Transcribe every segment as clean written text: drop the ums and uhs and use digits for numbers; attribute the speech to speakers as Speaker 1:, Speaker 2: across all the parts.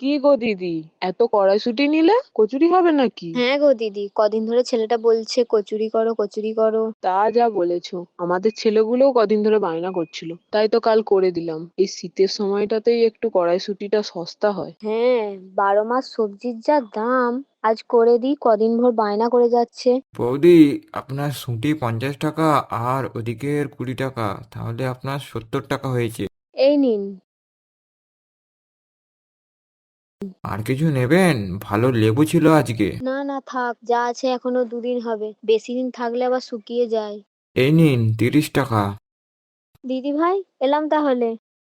Speaker 1: কি গো দিদি, এত কড়াইশুঁটি নিলে কচুরি হবে নাকি?
Speaker 2: হ্যাঁ গো দিদি, কদিন ধরে ছেলেটা বলছে কচুরি করো কচুরি করো।
Speaker 1: তা যা বলেছো, আমাদের ছেলেগুলোও কদিন ধরে বায়না করছিল, তাই তো কাল করে দিলাম। এই শীতের সময়টাতেই একটু কড়াইশুঁটিটা সস্তা হয়।
Speaker 2: হ্যাঁ, 12 মাস সবজির যা দাম। আজ করে দিই, কদিন ভর বায়না করে যাচ্ছে।
Speaker 3: বৌদি, আপনার শুঁটি 50 টাকা আর ওদিকের 20 টাকা, তাহলে আপনার 70 টাকা হয়েছে।
Speaker 2: এই নিন।
Speaker 3: আর কিছু নেবেন? ভালো লেবু ছিল আজকে।
Speaker 2: না না থাক, যা আছে এখনো দুদিন হবে, বেশি দিন থাকলে আবার শুকিয়ে যায়।
Speaker 3: এই নিন 30 টাকা।
Speaker 2: দিদি ভাই, এলাম তাহলে।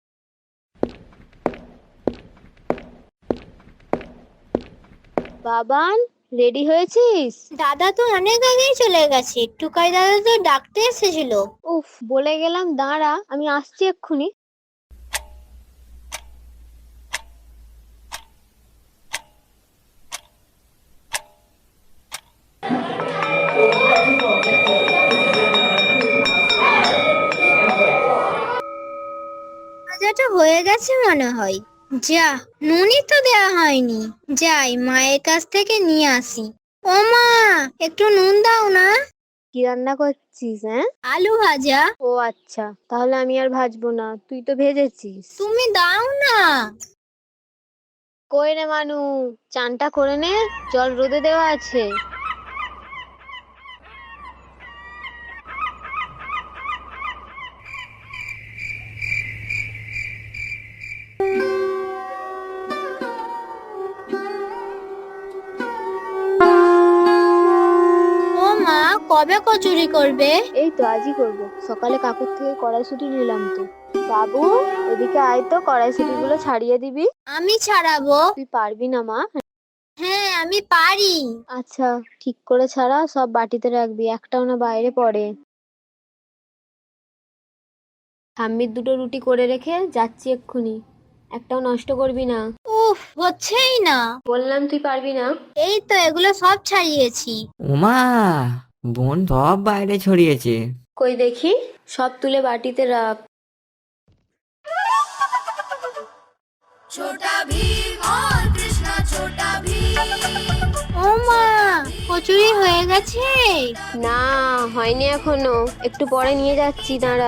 Speaker 2: বাবান, রেডি হয়েছিস?
Speaker 4: দাদা তো অনেক আগেই চলে গেছে, টুকাই দাদা তো ডাকতে এসেছিল।
Speaker 2: উফ, বলে গেলাম, দাঁড়া আমি আসছি এক্ষুনি।
Speaker 4: ভাজাটা হয়ে গেছে মনে হয়। যা, নুনই তো দেওয়া হয়নি। যাই মায়ের কাছ থেকে নিয়ে আসি। ও মা, একটু নুন দাও না।
Speaker 2: কি রান্না করছিস? হ্যাঁ,
Speaker 4: আলু ভাজা।
Speaker 2: ও আচ্ছা, তাহলে আমি আর ভাজবো না, তুই তো ভেজেছিস।
Speaker 4: তুমি দাও না।
Speaker 2: কই রে মানু, চানটা করে নে, জল রোদে দেওয়া আছে।
Speaker 4: ও মা, কবে কচুরি করবে?
Speaker 2: এই তো আজই করব, সকালে কাকুর থেকে কড়াইশুঁটি নিলাম তো। বাবু, এদিকে আয় তো, কড়াইশুঁটি গুলো ছাড়িয়ে দিবি।
Speaker 4: আমি ছাড়াবো।
Speaker 2: তুই পারবি না মা?
Speaker 4: হ্যাঁ, আমি পারি।
Speaker 2: আচ্ছা, ঠিক করে ছাড়া, সব বাটিতে রাখবি, একটাও না বাইরে পড়ে। ঠাম্মির দুটো রুটি করে রেখে যাচ্ছি এক্ষুনি, একটাও নষ্ট করবি না।
Speaker 4: উফ, হচ্ছেই না।
Speaker 2: বললাম তুই পারবি না।
Speaker 4: এই তো এগুলো সব ছাড়িয়েছি।
Speaker 5: উমা, বোন সব বাইরে ছড়িয়েছে।
Speaker 2: কই দেখি, সব তুলে বাটিতে রাখ।
Speaker 4: ও মা, কচুরি হয়ে গেছে।
Speaker 2: না, হয়নি এখনো, একটু পরে নিয়ে যাচ্ছি, দাঁড়া।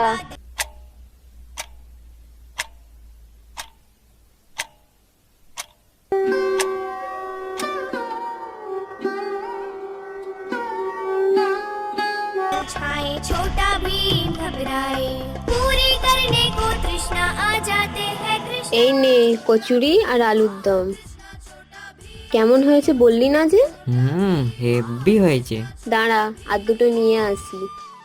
Speaker 4: छाए छोटा भीम घबराए, पूरी करने को तृष्णा आ जाते हैं कृष्ण।
Speaker 2: এই নে কচুরি আর আলুর দম। কেমন হয়েছে বললি না যে?
Speaker 5: হেভি হয়েছে।
Speaker 2: দাঁড়া, আর দুটো নিয়ে আসি।